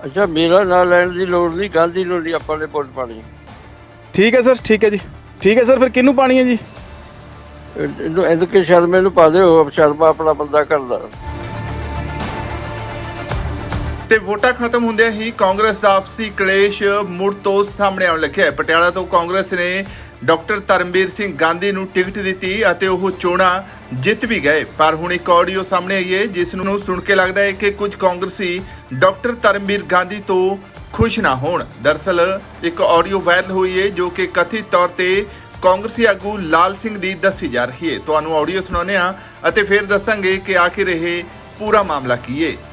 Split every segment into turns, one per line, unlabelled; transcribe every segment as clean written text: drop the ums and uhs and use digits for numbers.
ਅੱਛਾ, ਮੇਰਾ ਨਾਂ ਲੈਣ ਦੀ ਲੋੜ ਨਹੀਂ, ਗਾਂਧੀ ਨੂੰ ਨਹੀਂ ਆਪਾਂ ਨੇ ਵੋਟ ਪਾਣੀ।
ਠੀਕ ਹੈ ਸਰ, ਠੀਕ ਹੈ ਜੀ, ਠੀਕ ਹੈ ਸਰ। ਫਿਰ ਕਿਹਨੂੰ ਪਾਣੀ ਹੈ ਜੀ?
ਇਹਨੂੰ ਐਨ ਕੇ ਸ਼ਰਮੇ ਨੂੰ ਪਾ ਦਿਓ, ਸ਼ਰਮਾ ਆਪਣਾ ਬੰਦਾ ਕਰਦਾ।
ਤੇ ਵੋਟਾਂ ਖਤਮ ਹੁੰਦਿਆਂ ਹੀ ਕਾਂਗਰਸ ਦਾ ਆਪਸੀ ਕਲੇਸ਼ ਮੁੜ ਤੋਂ ਸਾਹਮਣੇ ਆਉਣ ਲੱਗਿਆ। ਪਟਿਆਲਾ ਤੋਂ ਕਾਂਗਰਸ ਨੇ ਡਾਕਟਰ ਧਰਮਵੀਰ ਸਿੰਘ ਗਾਂਧੀ ਨੂੰ ਟਿਕਟ ਦਿੱਤੀ ਅਤੇ ਉਹ ਚੋਣਾਂ ਜਿੱਤ ਵੀ ਗਏ। ਪਰ ਹੁਣ ਇੱਕ ਆਡੀਓ ਸਾਹਮਣੇ ਆਈ ਹੈ ਜਿਸ ਨੂੰ ਸੁਣ ਕੇ ਲੱਗਦਾ ਹੈ ਕਿ ਕੁਝ ਕਾਂਗਰਸੀ ਡਾਕਟਰ ਧਰਮਵੀਰ ਗਾਂਧੀ ਤੋਂ ਖੁਸ਼ ਨਾ ਹੋਣ। ਦਰਅਸਲ ਇੱਕ ਆਡੀਓ ਵਾਇਰਲ ਹੋਈ ਹੈ ਜੋ ਕਿ ਕਥਿਤ ਤੌਰ ਤੇ ਕਾਂਗਰਸੀ ਆਗੂ ਲਾਲ ਸਿੰਘ ਦੀ ਦੱਸੀ ਜਾ ਰਹੀ ਹੈ। ਤੁਹਾਨੂੰ ਆਡੀਓ ਸੁਣਾਉਂਦੇ ਹਾਂ ਅਤੇ ਫਿਰ ਦੱਸਾਂਗੇ ਕਿ ਆਖਿਰ ਇਹ ਪੂਰਾ ਮਾਮਲਾ ਕੀ ਹੈ।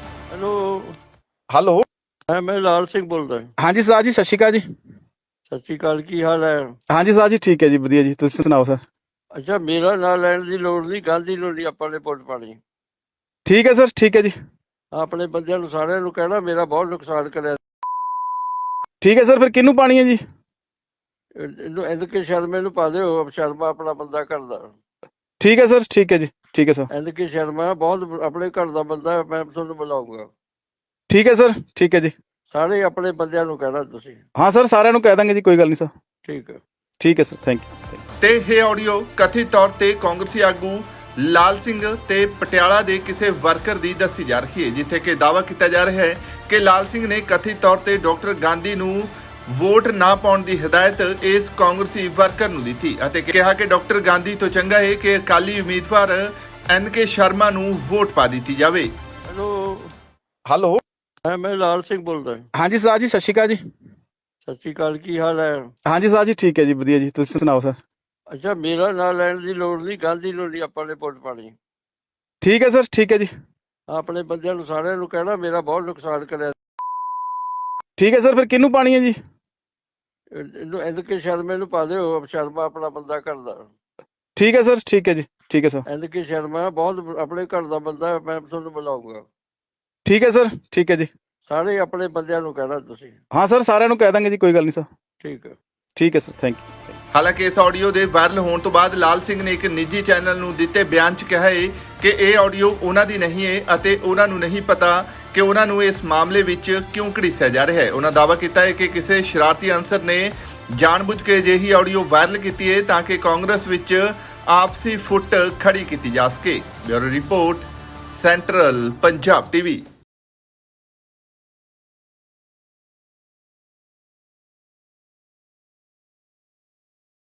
ਹੈਲੋ,
ਮੈਂ ਲਾਲ ਸਿੰਘ ਬੋਲਦਾ।
ਹਾਂਜੀ ਸਰ ਜੀ, ਸਤਿ ਸ਼੍ਰੀ ਅਕਾਲ ਜੀ।
ਸਤਿ ਸ਼੍ਰੀ ਅਕਾਲ, ਕੀ ਹਾਲ ਹੈ?
ਹਾਂਜੀ ਸਰ ਜੀ, ਠੀਕ ਹੈ ਜੀ, ਵਧੀਆ ਜੀ, ਤੁਸੀਂ ਸੁਣਾਓ ਸਰ?
ਅੱਛਾ, ਮੇਰਾ ਨਾਂ ਲੈਣ ਦੀ ਲੋੜ ਨਹੀਂ, ਗਾਂਧੀ ਨੂੰ ਨਹੀਂ ਆਪਾਂ ਨੇ ਵੋਟ ਪਾਣੀ।
ਠੀਕ ਹੈ ਸਰ, ਠੀਕ ਹੈ ਜੀ।
ਆਪਣੇ ਬੰਦਿਆਂ ਨੂੰ ਸਾਰਿਆਂ ਨੂੰ ਕਹਿਣਾ ਮੇਰਾ ਬਹੁਤ ਨੁਕਸਾਨ ਕਰਿਆ।
ਠੀਕ ਹੈ ਸਰ। ਫਿਰ ਕਿਹਨੂੰ ਪਾਣੀ ਹੈ ਜੀ?
ਇਹਨੂੰ ਐਨ ਕੇ ਸ਼ਰਮੇ ਨੂੰ ਪਾ ਦਿਓ, ਸ਼ਰਮਾ ਆਪਣਾ ਬੰਦਾ ਕਰਦਾ।
ਠੀਕ ਹੈ ਸਰ, ਠੀਕ ਹੈ ਜੀ, ਠੀਕ ਹੈ ਸਰ।
ਐਨ ਕੇ ਸ਼ਰਮਾ ਬਹੁਤ ਆਪਣੇ ਘਰ ਦਾ ਬੰਦਾ, ਮੈਂ ਤੁਹਾਨੂੰ ਬੁਲਾਊਂਗਾ।
ਠੀਕ ਹੈ ਸਰ, ਠੀਕ ਹੈ ਜੀ।
ਸਾਰੇ ਆਪਣੇ ਬੰਦਿਆਂ ਨੂੰ ਕਹਿਣਾ ਤੁਸੀਂ।
ਹਾਂ ਸਰ, ਸਾਰਿਆਂ ਨੂੰ ਕਹਿ ਦਾਂਗੇ ਜੀ, ਕੋਈ ਗੱਲ ਨਹੀਂ ਸਰ।
ਠੀਕ ਹੈ,
ਠੀਕ ਹੈ ਸਰ, ਥੈਂਕ ਯੂ।
ਤੇ ਇਹ ਆਡੀਓ ਕਥਿਤ ਤੌਰ ਤੇ ਕਾਂਗਰਸੀ ਆਗੂ ਲਾਲ ਸਿੰਘ ਤੇ ਪਟਿਆਲਾ ਦੇ ਕਿਸੇ ਵਰਕਰ ਦੀ ਦੱਸੀ ਜਾ ਰਹੀ ਹੈ, ਜਿੱਥੇ ਕਿ ਦਾਅਵਾ ਕੀਤਾ ਜਾ ਰਿਹਾ ਹੈ ਕਿ ਲਾਲ ਸਿੰਘ ਨੇ ਕਥਿਤ ਤੌਰ ਤੇ ਡਾਕਟਰ ਗਾਂਧੀ ਨੂੰ ਵੋਟ ਨਾ ਪਾਉਣ ਦੀ ਹਦਾਇਤ ਇਸ ਕਾਂਗਰਸੀ ਵਰਕਰ ਨੂੰ ਦਿੱਤੀ ਅਤੇ ਕਿਹਾ ਕਿ ਡਾਕਟਰ ਗਾਂਧੀ ਤੋਂ ਚੰਗਾ ਹੈ ਕਿ ਅਕਾਲੀ ਉਮੀਦਵਾਰ ਐਨ ਕੇ ਸ਼ਰਮਾ ਨੂੰ ਵੋਟ ਪਾ ਦਿੱਤੀ ਜਾਵੇ।
ਹੈਲੋ,
ਮੈਂ ਲਾਲ ਸਿੰਘ ਬੋਲਦਾ।
ਹਾਂਜੀ ਸਰ ਜੀ, ਸਤਿ ਸ਼੍ਰੀ ਅਕਾਲ ਜੀ।
ਸਤਿ ਸ਼੍ਰੀ ਅਕਾਲ, ਕੀ ਹਾਲ ਹੈ?
ਹਾਂਜੀ ਸਰ ਜੀ, ਠੀਕ ਹੈ ਜੀ, ਵਧੀਆ ਜੀ, ਤੁਸੀਂ ਸੁਣਾਓ ਸਰ?
ਅੱਛਾ, ਮੇਰਾ ਨਾਂ ਲੈਣ ਦੀ ਲੋੜ ਨਹੀਂ, ਗਾਂਧੀ ਨੂੰ ਨਹੀਂ ਆਪਾਂ ਨੇ ਵੋਟ ਪਾਣੀ।
ਠੀਕ ਹੈ ਸਰ, ਠੀਕ ਹੈ ਜੀ।
ਆਪਣੇ ਬੰਦਿਆਂ ਨੂੰ ਸਾਰਿਆਂ ਨੂੰ ਕਹਿਣਾ ਮੇਰਾ ਬਹੁਤ ਨੁਕਸਾਨ ਕਰਿਆ।
ਠੀਕ ਹੈ ਸਰ। ਫਿਰ ਕਿਹਨੂੰ ਪਾਣੀ ਹੈ ਜੀ?
ਇਹਨੂੰ ਐਨ ਕੇ ਸ਼ਰਮੇ ਨੂੰ ਪਾ ਦਿਓ, ਸ਼ਰਮਾ ਆਪਣਾ ਬੰਦਾ ਕਰਦਾ।
ਠੀਕ ਹੈ ਸਰ, ਠੀਕ ਹੈ ਜੀ, ਠੀਕ ਹੈ ਸਰ।
ਐਨ ਕੇ ਸ਼ਰਮਾ ਬਹੁਤ ਆਪਣੇ ਘਰ ਦਾ ਬੰਦਾ, ਮੈਂ ਤੁਹਾਨੂੰ ਬੁਲਾਊਂਗਾ।
ਠੀਕ ਹੈ ਸਰ, ਠੀਕ ਹੈ ਜੀ।
ਸਾਰੇ ਆਪਣੇ ਬੰਦਿਆਂ ਨੂੰ ਕਹਿਣਾ ਤੁਸੀਂ।
ਹਾਂ ਸਰ, ਸਾਰਿਆਂ ਨੂੰ ਕਹਿ ਦਾਂਗੇ ਜੀ, ਕੋਈ ਗੱਲ ਨਹੀਂ ਸਰ।
ਠੀਕ ਹੈ,
ਠੀਕ ਹੈ ਸਰ, ਥੈਂਕ ਯੂ।
ਹਾਲਾਂਕਿ ਇਸ ਆਡੀਓ ਦੇ ਵਾਇਰਲ ਹੋਣ ਤੋਂ ਬਾਅਦ ਲਾਲ ਸਿੰਘ ਨੇ ਇੱਕ ਨਿੱਜੀ ਚੈਨਲ ਨੂੰ ਦਿੱਤੇ ਬਿਆਨ 'ਚ ਕਿਹਾ ਹੈ ਕਿ ਇਹ ਆਡੀਓ ਉਹਨਾਂ ਦੀ ਨਹੀਂ ਹੈ ਅਤੇ ਉਹਨਾਂ ਨੂੰ ਨਹੀਂ ਪਤਾ ਕਿ ਉਹਨਾਂ ਨੂੰ ਇਸ ਮਾਮਲੇ ਵਿੱਚ ਕਿਉਂ ਘੜੀਸਿਆ ਜਾ ਰਿਹਾ ਹੈ। ਉਹਨਾਂ ਦਾਅਵਾ ਕੀਤਾ ਹੈ ਕਿ ਕਿਸੇ ਸ਼ਰਾਰਤੀ ਅਨਸਰ ਨੇ ਜਾਣਬੁੱਝ ਕੇ ਅਜਿਹੀ ਆਡੀਓ ਵਾਇਰਲ ਕੀਤੀ ਹੈ ਤਾਂ ਕਿ ਕਾਂਗਰਸ ਵਿੱਚ ਆਪਸੀ ਫੁੱਟ ਖੜੀ ਕੀਤੀ ਜਾ ਸਕੇ। Bureau report, central Punjab TV.